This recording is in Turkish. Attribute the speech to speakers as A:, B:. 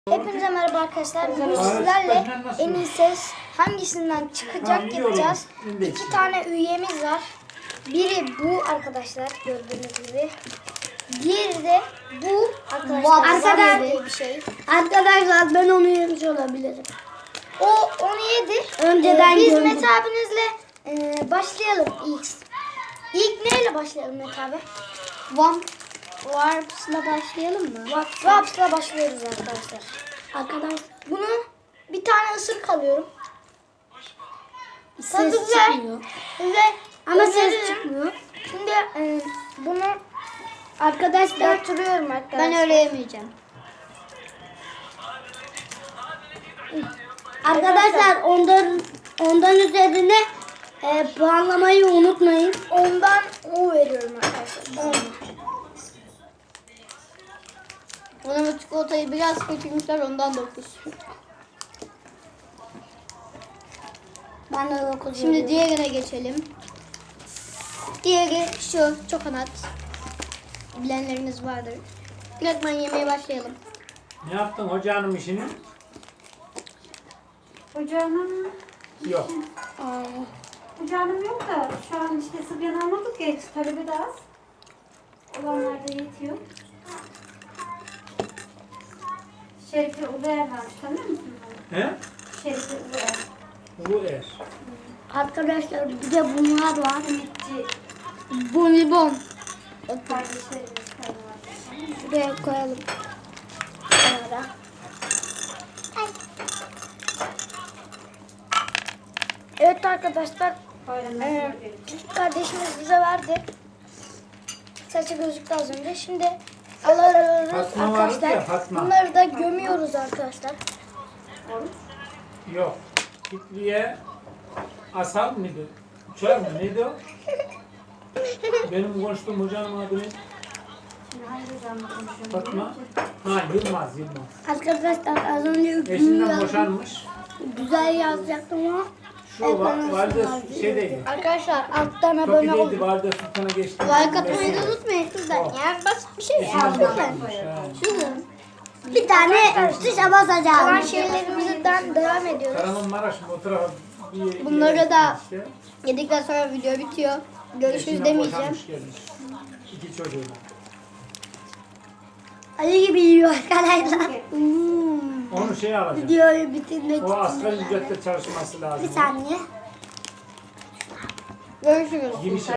A: Hepinize merhaba arkadaşlar. Bugün sizlerle en iyi ses hangisinden çıkacak yapacağız. İki tane üyemiz var. Biri bu arkadaşlar gördüğünüz gibi. Diğeri de bu arkadaşlar. Bir şey.
B: Arkadaşlar ben onu yemiş olabilirim.
A: O onu yedi.
B: Önceden
A: biz
B: gördüm.
A: Mete abinizle başlayalım ilk. İlk neyle başlayalım Mete abi?
B: Warps'la başlayalım mı?
A: Raps'la başlıyoruz arkadaşlar.
B: Arkadaşlar
A: Bunu bir tane ısırık alıyorum.
B: ses
A: Tadı güzel.
B: çıkmıyor.
A: Ve
B: Ama
A: öneririm.
B: ses çıkmıyor.
A: Şimdi bunu
B: Arkadaşlar
A: götürüyorum arkadaşlar.
B: ben öyle yemeyeceğim. Arkadaşlar ondan üzerine puanlamayı unutmayın.
A: Ondan o veriyorum arkadaşlar. 10.
B: Ona çikolatayı biraz kaçırmışlar ondan 9. Ben de 9. Şimdi diğerine geçelim. Diğeri şu çokonat. Bilenleriniz vardır. Direktmen yemeye başlayalım.
C: Ne yaptın hocanın işini?
D: Ocağım
C: Yok.
D: ocağım yok da şu an işte sıbyan almadık ya, talebi de az. Olanlar da yetiyor. Şerife Uluer varmış, tanıyor musun bunu?
C: He?
D: Şerife Uluer.
C: Bu er.
B: Arkadaşlar bir de bunlar var.
D: Simitçi
B: Bonibon.
D: kardeşlerimiz var.
B: Şuraya koyalım. Kenara.
A: Evet arkadaşlar.
D: Bayramlar
A: Küçük kardeşimiz bize verdi. Saçı gözüktü az önce. Şimdi alıyoruz
C: Fatma vardı
A: arkadaşlar.
C: ya, Fatma.
A: Bunları da gömüyoruz arkadaşlar.
C: Yok. Kitliye asal mıydı? Uçar mı? Neydi o? Benim konuştuğum hocanın adı ne?
D: Şimdi hangi zamanda konuşuyorum?
C: Fatma. Ha Yılmaz.
B: Arkadaşlar az önce hükmünü
C: Eşinden
B: yazdım.
C: boşanmış.
B: Güzel yazacaktım ama
C: Şu valide şeydeydi.
A: Arkadaşlar alttan
C: Çok
A: abone
C: iyiydi.
A: olun.
C: Valide Sultan'a geçti.
B: like atmayı da unutmayın kızlar.
C: Oh.
B: Yani basit bir şey
C: Eşinden
B: yazdım ben.
C: boşanmış. ha.
B: Şunu. Bir tane tuşa
A: Kalan
B: basacağım.
A: şeylerimizden devam ediyoruz.
C: Kahramanmaraş mı o tarafa bir
B: Bunları
C: yere
B: da-
C: gitmiş işte.
B: Yedikten sonra video bitiyor. Görüşürüz
C: Eşinden
B: demeyeceğim.
C: boşanmış gelmiş. İki çocuğuyla.
B: Ali gibi yiyor arkadaşlar.
C: Onu şey alacağım.
B: Videoyu bitirmek
C: O asgari
B: için.
C: ücretle çalışması lazım.
B: Bir saniye. Görüşürüz.
C: Giriş